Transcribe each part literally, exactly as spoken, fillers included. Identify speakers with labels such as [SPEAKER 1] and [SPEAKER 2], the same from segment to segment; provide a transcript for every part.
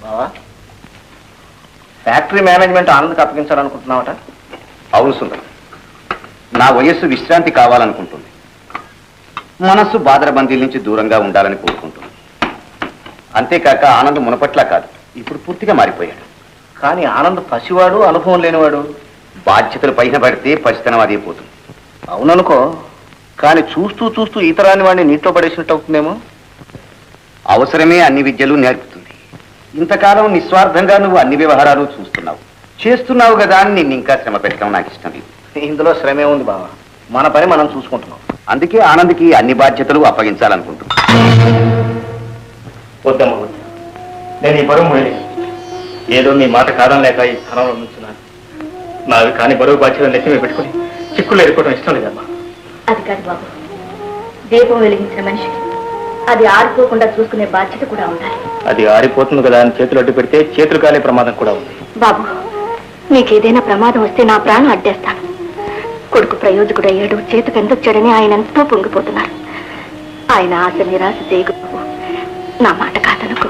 [SPEAKER 1] Factory management ఆనంద్కి అప్పగించాలనుకుంటున్నావట?
[SPEAKER 2] అవును సుందరం, నా వయస్సు విశ్రాంతి కావాలనుకుంటుంది. మనస్సు బాదరబందీల నుంచి దూరంగా ఉండాలని కోరుకుంటుంది. అంతేకాక ఆనంద్ మునపట్లా కాదు, ఇప్పుడు పూర్తిగా మారిపోయాడు.
[SPEAKER 1] కానీ ఆనంద్ పసివాడు, అనుభవం లేనివాడు.
[SPEAKER 2] బాధ్యతలు పైన పడితే పసితనం అదే పోతుంది.
[SPEAKER 1] అవుననుకో, కానీ చూస్తూ చూస్తూ ఇతరాన్ని వాడిని నీటిలో పడేసినట్టు అవుతుందేమో.
[SPEAKER 2] అవసరమే అన్ని విద్యలు నేర్పుతుంది. ఇంతకాలం నిస్వార్థంగా నువ్వు అన్ని వ్యవహారాలు చూస్తున్నావు చేస్తున్నావు కదా అని నిన్ను ఇంకా శ్రమ పెట్టడం నాకు ఇష్టం లేదు.
[SPEAKER 1] ఇందులో శ్రమే ఉంది బావా, మన పని మనం చూసుకుంటున్నాం.
[SPEAKER 2] అందుకే ఆనంద్కి అన్ని బాధ్యతలు అప్పగించాలనుకుంటున్నా.
[SPEAKER 1] వద్దమ్మా వద్దు, నేను ఈ బరువు మోయలేదు. ఏదో మీ మాట కాదం లేక ఈ స్థానంలో నుంచున్నాను. నావి కానీ బరువు బాధ్యతలు నెత్తిమే పెట్టుకుని చిక్కులు ఎదుర్కోవడం ఇష్టం లేదమ్మా.
[SPEAKER 3] అది కాదు బాబు, దీపం వెలిగించిన మనిషికి అది ఆరిపోకుండా చూసుకునే బాధ్యత కూడా ఉండాలి.
[SPEAKER 1] అది ఆరిపోతుంది కదా అని చేతులు అడ్డు పెడితే చేతులు కాలే ప్రమాదం కూడా ఉంది.
[SPEAKER 3] బాబు, నీకేదైనా ప్రమాదం వస్తే నా ప్రాణం అడ్డేస్తాను. కొడుకు ప్రయోజకుడు అయ్యాడు, చేతికి ఎంతొచ్చాడని ఆయన ఎంతో పొంగిపోతున్నారు. ఆయన ఆశ నిరాశ చేయకు బాబు, నా మాట కాదనుకో.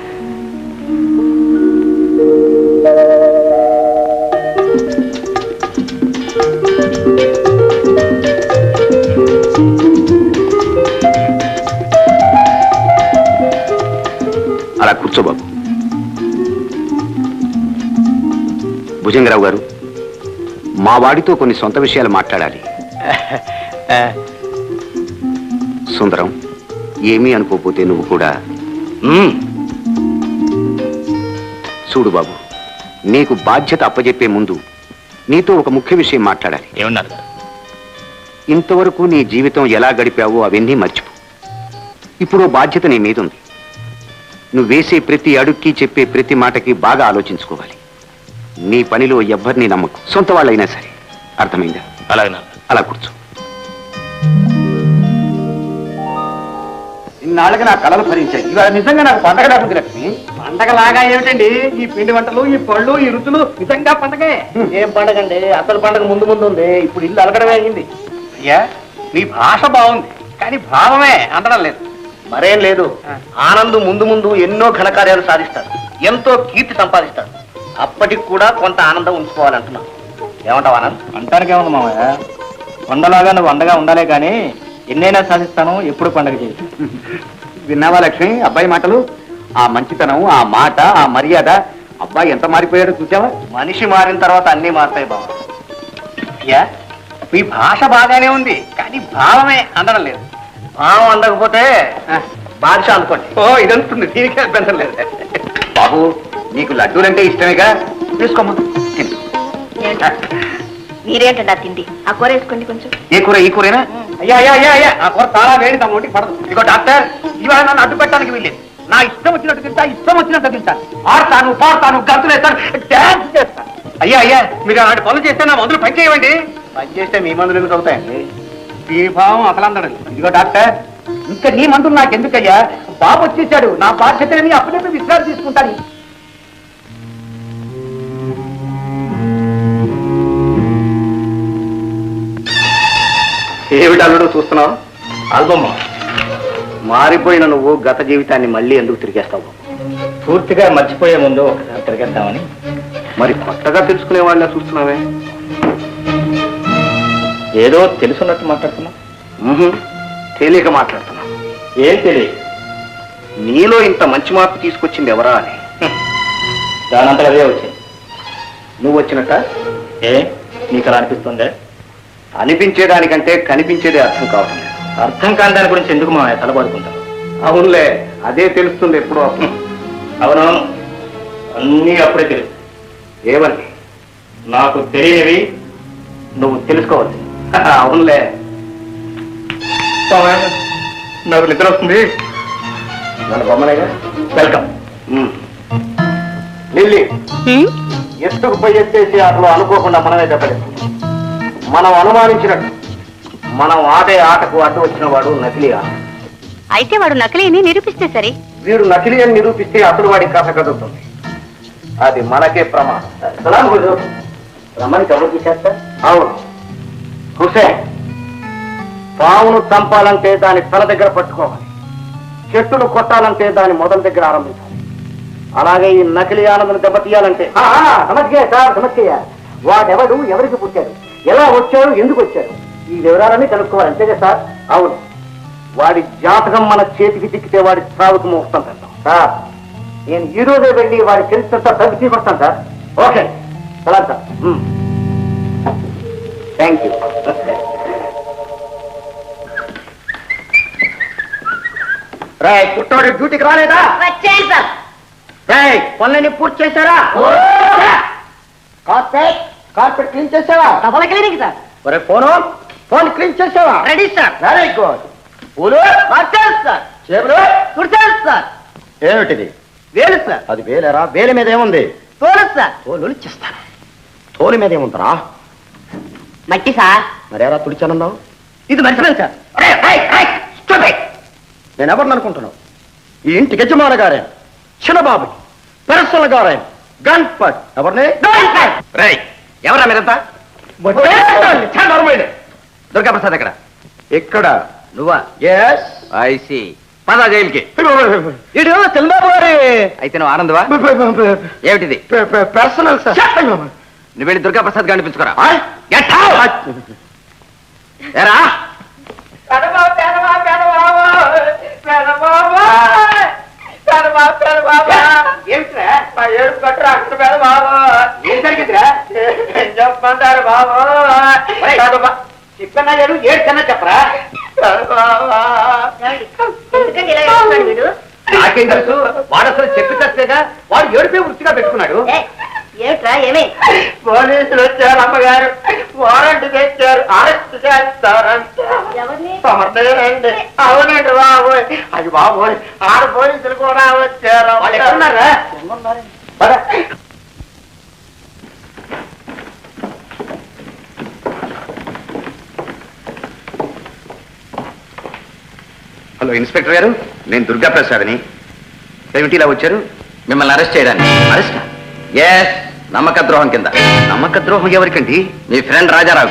[SPEAKER 2] అలా కూర్చో బాబు. భుజంగరావు గారు, మా వాడితో కొన్ని సొంత విషయాలు మాట్లాడాలి. సుందరం, ఏమీ అనుకోపోతే నువ్వు కూడా. చూడు బాబు, నీకు బాధ్యత అప్పజెప్పే ముందు నీతో ఒక ముఖ్య విషయం మాట్లాడాలి.
[SPEAKER 1] ఏమన్నారు?
[SPEAKER 2] ఇంతవరకు నీ జీవితం ఎలా గడిపావో అవన్నీ మర్చిపో. ఇప్పుడు బాధ్యత నీ మీద ఉంది. నువ్వు వేసే ప్రతి అడుక్కి, చెప్పే ప్రతి మాటకి బాగా ఆలోచించుకోవాలి. నీ పనిలో ఎవ్వరిని నమ్మకు, సొంత వాళ్ళైనా సరే. అర్థమైందా?
[SPEAKER 1] అలాగే.
[SPEAKER 2] అలా కూర్చో. ఇన్నాళ్ళకి నా కళలు భరించాయి, ఇవాళ నిజంగా నాకు పండగ రాకుంది లక్ష్మి.
[SPEAKER 1] పండగలాగా ఏమిటండి ఈ పిండి వంటలు, ఈ పళ్ళు, ఈ రుచులు? నిజంగా పండగే. ఏం పండగ అండి? అసలు పండగ ముందు ముందు ఉంది. ఇప్పుడు ఇల్లు అలగడమే అయింది. అయ్యా, మీ భాష బాగుంది, కానీ భావమే అందడం లేదు. మరేం లేదు, ఆనంద్ ముందు ముందు ఎన్నో ఘనకార్యాలు సాధిస్తాడు, ఎంతో కీర్తి సంపాదిస్తాడు. అప్పటికి కూడా కొంత ఆనందం ఉంచుకోవాలంటున్నావు. ఏమంటావు ఆనంద్? అంటానికి ఏముంది మామయ్య, కొండలాగా నువ్వు అండగా ఉండాలే కానీ ఎన్నైనా సాధిస్తాను, ఎప్పుడు పండగ చేయి.
[SPEAKER 2] విన్నావా లక్ష్మి అబ్బాయి మాటలు? ఆ మంచితనం, ఆ మాట, ఆ మర్యాద. అబ్బాయి ఎంత మారిపోయాడో చూసావా?
[SPEAKER 1] మనిషి మారిన తర్వాత అన్నీ మారుతాయి బావ. అయ్యా, ఈ భాష బాగానే ఉంది, కానీ భావమే అందడం లేదు. భావం అందకపోతే బాధ్యత అనుకోండి. ఓ ఇదంతుంది, దీనికే అభ్యంతరం లేదు.
[SPEAKER 2] బాబు, నీకు లడ్డూలంటే ఇష్టమేగా, తీసుకోమ్మా.
[SPEAKER 3] మీరేంటండి ఆ తిండి? ఆ కూర వేసుకోండి కొంచెం.
[SPEAKER 2] ఏ కూర? ఈ కూరేనా?
[SPEAKER 1] అయ్యా అయ్యా అయ్యా అయ్యా ఆ కూర చాలా వేడి, తమ ఒంటికి పడదు. ఇదిగో డాక్టర్, ఇవాళ నన్ను అడ్డు పెట్టడానికి వీల్లేదు. నా ఇష్టం వచ్చినట్టు తింటా, ఇష్టం వచ్చినట్టు తింటాను. ఆడతాను, పాడతాను, గంతులు వేస్తాను, డాన్స్ చేస్తాను. అయ్యా అయ్యా, మీరు అలాంటి పనులు చేస్తే నా మందులు పని చేయవండి. పని చేస్తే మీ మందులు ఎందుకు అవుతాయండి? దీని భావం అసలు అందడం. ఇదిగో డాక్టర్, ఇంకా నీ మందులు నాకెందుకయ్యా? బాబు వచ్చేసాడు, నా బాధ్యతని అప్పుడే విశ్రాంతి తీసుకుంటాను. ఏమిటి అల్లుడు చూస్తున్నావు? ఆల్బమ్. మారిపోయిన నువ్వు గత జీవితాన్ని మళ్ళీ ఎందుకు తిరిగేస్తావు? పూర్తిగా మర్చిపోయే ముందు ఒకసారి తిరిగేద్దామని. మరి కొత్తగా తెలుసుకునే వాళ్ళ చూస్తున్నావే? ఏదో తెలుసున్నట్టు మాట్లాడుతున్నా. తెలియక మాట్లాడుతున్నా. ఏం తెలియక? నీలో ఇంత మంచి మార్పు తీసుకొచ్చింది ఎవరా అని. దానంతా అదే వచ్చింది. నువ్వు వచ్చినట్ట? ఏ నీకు అలా అనిపిస్తుందే? అనిపించేదానికంటే కనిపించేదే అర్థం కావటం లేదు. అర్థం కాని దాని గురించి ఎందుకు మా తలబాదుకుంటావు? అవునులే, అదే తెలుస్తుంది ఎప్పుడో. అవునవును, అన్నీ అప్పుడే తెలుసు. ఏమని? నాకు తెలియనివి నువ్వు తెలుసుకోవచ్చు. అవునులే. నాకు నిద్ర వస్తుంది. మన బొమ్మనేగా. వెల్కమ్. లిల్లీ, ఎత్తుకు పోయి ఎత్తేసి అసలు అనుకోకుండా మనమే చెప్పలేదు. మనం అనుమానించినట్టు మనం ఆడే ఆటకు అడ్డు వచ్చిన వాడు నకిలీ ఆట.
[SPEAKER 3] అయితే వాడు నకిలీ అని నిరూపిస్తే సరే.
[SPEAKER 1] వీడు నకిలీ అని నిరూపిస్తే అసలు వాడి కథ కదులుతుంది. అది మనకే ప్రమాదం. రమ్మని ఎవరు తీసేస్తా? అవును, హుసేన్. పావును చంపాలంటే దాని తల దగ్గర పట్టుకోవాలి, చెట్టును కొట్టాలంటే దాని మొదల దగ్గర ఆరంభించాలి. అలాగే ఈ నకిలీ ఆనందం దెబ్బతీయాలంటే
[SPEAKER 4] సమస్య సార్ సమస్య వాడెవడు ఎవరికి పుట్టాడు ఎలా వచ్చాడు ఎందుకు వచ్చాడు ఈ వివరాలన్నీ కనుక్కోవాలి అంతేగా సార్
[SPEAKER 1] అవును, వాడి జాతకం మన చేతికి చిక్కితే వాడి చావుకు ముహూర్తం పెడతాం.
[SPEAKER 4] సార్ నేను ఈ రోజే వెళ్ళి వాడి చరిత్రంతా తగ్గి తీసుకొస్తాను సార్
[SPEAKER 1] ఓకే,
[SPEAKER 4] సరే సార్
[SPEAKER 1] థ్యాంక్ యూ. రాయ్ పుట్టోడు డ్యూటీకి రాలేదా?
[SPEAKER 3] వచ్చాను సార్.
[SPEAKER 1] రాయ్ పనులని పూర్తి చేశారా?
[SPEAKER 4] కార్పెట్ కార్పెట్ క్లీన్ చేసావా
[SPEAKER 3] డబల్ క్లినిక్ సార్.
[SPEAKER 1] ఒరే ఫోను ఫోన్ క్లీన్ చేసావా?
[SPEAKER 3] Ready sir.
[SPEAKER 1] Very good. పూలు
[SPEAKER 3] వచ్చాను సార్.
[SPEAKER 1] చేపలు
[SPEAKER 3] కుర్చాను సార్.
[SPEAKER 1] ఏమిటిది?
[SPEAKER 3] వేలు సార్.
[SPEAKER 1] అది వేలేరా? వేలి మీద ఏముంది?
[SPEAKER 3] తోలు సార్.
[SPEAKER 1] తోలు ఇచ్చేస్తాను. తోలు మీద ఏముందరా?
[SPEAKER 3] మట్టి సార్.
[SPEAKER 1] మరేరా తుడిచానన్నావు?
[SPEAKER 3] ఇది మర్చిపోయింది సార్.
[SPEAKER 1] నేను ఎవరిని అనుకుంటున్నావు? ఈ ఇంటి యజమాన గారే చిన్నబాబు పెరసల గారే గణపత్ ఎవరిని? ఎవరా మీరంతా? దుర్గాప్రసాద్ ఎక్కడ? ఇక్కడ. నువ్వా? Yes I see. పదా జైలుకి. ఇడు చంద్రబాబు గారి. అయితే నువ్వు ఆనందవా? ఏమిటిది? Personal sir. నువ్వు వెళ్ళి దుర్గాప్రసాద్ గారిని పిలుచుకోరా. ఏరా ఏం జరిగిందిరా? చెప్పంటారు బాబు. చెప్పన్నా ఏడు ఏడ్చన్నా చెప్పరా?
[SPEAKER 3] ఎందుకంటే ఇలా చేస్తున్నాడు వీడు?
[SPEAKER 1] నాకేం తెలుసు? వాడు అసలు చెప్పి చస్తేగా వాడు ఏడిపే వృత్తిగా పెట్టుకున్నాడు.
[SPEAKER 3] ఏమిట్రా ఏమే?
[SPEAKER 1] పోలీసులు వచ్చారు అమ్మగారు, వారంట్ తెచ్చారు, అరెస్ట్ చేస్తారంట.
[SPEAKER 3] ఎవరిని?
[SPEAKER 1] సమర్థండి. అవునండి బాబు. అది బాబు ఆరు పోలీసులు కూడా వచ్చారు. వాళ్ళు ఎక్కడున్నారా?
[SPEAKER 2] హలో ఇన్స్పెక్టర్ గారు, నేను దుర్గాప్రసాద్ని. ఏమిటి ఇలా వచ్చారు?
[SPEAKER 1] మిమ్మల్ని అరెస్ట్ చేయడానికి.
[SPEAKER 2] అరెస్ట్?
[SPEAKER 1] ఎస్, నమ్మక ద్రోహం కింద.
[SPEAKER 2] నమ్మక ద్రోహం ఎవరికండి?
[SPEAKER 1] మీ ఫ్రెండ్ రాజారావు.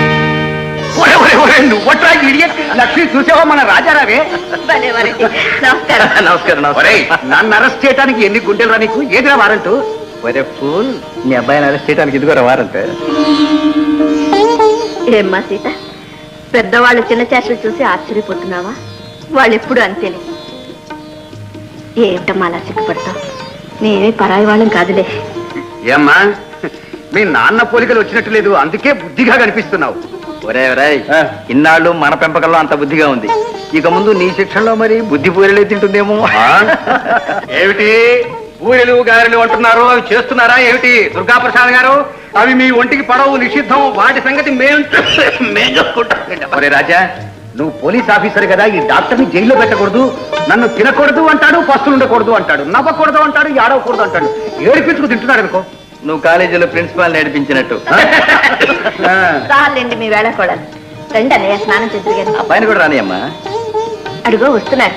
[SPEAKER 2] లక్ష్మి చూసావా మన రాజారావే?
[SPEAKER 3] నమస్కారం.
[SPEAKER 1] నమస్కారం.
[SPEAKER 2] ఒరేయ్, నన్ను అరెస్ట్ చేయడానికి ఎన్ని గుండెలు రా నీకు? ఏదిరా వారంటూ?
[SPEAKER 1] ఒరే ఫూల్, మీ అబ్బాయిని అరెస్ట్ చేయడానికి ఇదిగోరా వారంట్.
[SPEAKER 3] ఏమ్మా సీత, పెద్దవాళ్ళు చిన్న చేష్టలు చూసి ఆశ్చర్యపోతున్నావా? వాళ్ళు ఎప్పుడు అంతేలే. ఏమిటమ్మా అలా సిగ్గుపడతావు? నేనే పరాయి వాళ్ళం కాదులే.
[SPEAKER 2] ఏమ్మా, మీ నాన్న పోలికలు వచ్చినట్టు లేదు, అందుకే బుద్ధిగా కనిపిస్తున్నావు.
[SPEAKER 1] ఒరే ఒరే, ఇన్నాళ్ళు మన పెంపకంలో అంత బుద్ధిగా ఉంది, ఇక ముందు నీ శిక్షణలో మరి బుద్ధి పూరలే తింటుందేమో.
[SPEAKER 2] ఏమిటి బూరెలు గారెలు అంటున్నారు? అవి చేస్తున్నారా ఏమిటి దుర్గాప్రసాద్ గారు? అవి మీ ఒంటికి పడవు, నిషిద్ధం. వాటి సంగతి మేము మేము చూసుకుంటాం. ఒరే రాజా, నువ్వు పోలీస్ ఆఫీసర్ కదా, ఈ డాక్టర్ని జైల్లో పెట్టకూడదు, నన్ను తినకూడదు అంటాడు, పస్తులు ఉండకూడదు అంటాడు, నవ్వకూడదు అంటాడు, ఏడవకూడదు అంటాడు, ఏడిపించుకు తింటున్నాడు అనుకో.
[SPEAKER 1] నువ్వు కాలేజీలో ప్రిన్సిపాల్ నేర్పించినట్టు.
[SPEAKER 3] చాలండి మీ వేళ కూడా. రండి అన్నయ్య, స్నానం చేద్దరు గారు.
[SPEAKER 1] అబ్బాయిని కూడా రాని అమ్మా.
[SPEAKER 3] అడుగో వస్తున్నారు.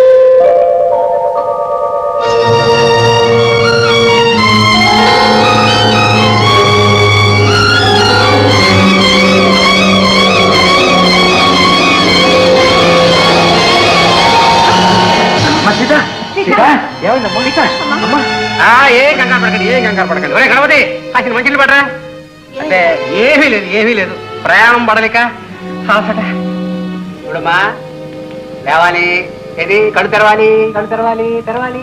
[SPEAKER 2] ఏ కంగారు పడకండి, ఏ కంగారు పడకండి. ఒరే గణపతి, అసలు మంచిలు పడరా? అంటే ఏమీ లేదు, ఏమీ లేదు. ప్రయాణం పడలేక చూడమ్మా, లేవాలి. ఏది కళ్ళు తెరవాలి, కళ్ళు తెరవాలి, తెరవాలి.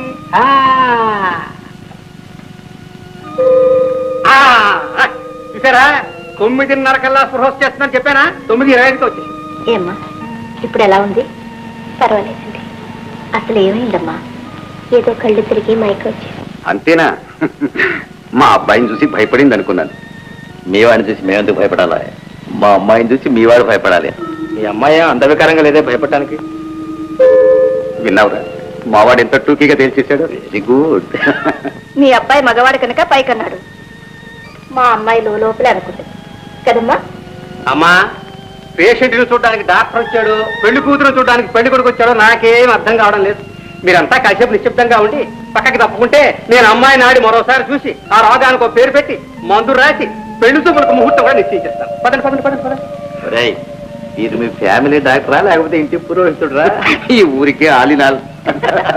[SPEAKER 2] చూసారా, తొమ్మిదిన్నర కల్లా స్పృహ వచ్చేస్తుందని చెప్పానా? తొమ్మిది ఇరవై ఐదుకి వచ్చేసి.
[SPEAKER 3] ఏమ్మా ఇప్పుడు ఎలా ఉంది? పర్వాలేదండి. అసలు ఏమైందమ్మా? ఏదో కళ్ళు తిరిగి మైక్ వచ్చి.
[SPEAKER 2] అంతేనా? మా అబ్బాయిని చూసి భయపడింది అనుకున్నాను.
[SPEAKER 1] మీ వాడిని చూసి మేమెందుకు భయపడాలి? మా అమ్మాయిని చూసి మీ వాడు భయపడాలి.
[SPEAKER 2] మీ అమ్మాయి అందవికారంగా లేదే భయపడటానికి. విన్నావురా, మావాడు ఎంత టూకీగా తేల్చేశాడు. Very good.
[SPEAKER 3] మీ అబ్బాయి మగవాడు కనుక పైకన్నాడు, మా అమ్మాయి లోపలే అనుకుంటుంది కదమ్మా.
[SPEAKER 2] అమ్మా, పేషెంట్ని చూడడానికి డాక్టర్ వచ్చాడు, పెళ్లి కూతురు చూడడానికి పెళ్లి కొడుకు వచ్చాడు, నాకేం అర్థం కావడం లేదు. మీరంతా కాసేపు నిశ్శబ్దంగా ఉండి పక్కకి తప్పుకుంటే నేను అమ్మాయి నాడి మరోసారి చూసి ఆ రోగానికి ఒక పేరు పెట్టి మందు రాసి పెళ్లి చూపులకు ముహూర్తం కూడా నిశ్చయించేస్తాను. పదండి పదండి పదండి పదండి.
[SPEAKER 1] ఇది మీ ఫ్యామిలీ డాక్టరా లేకపోతే ఇంటి పురోహితుడురా?
[SPEAKER 2] ఈ ఊరికే ఆలినాల్.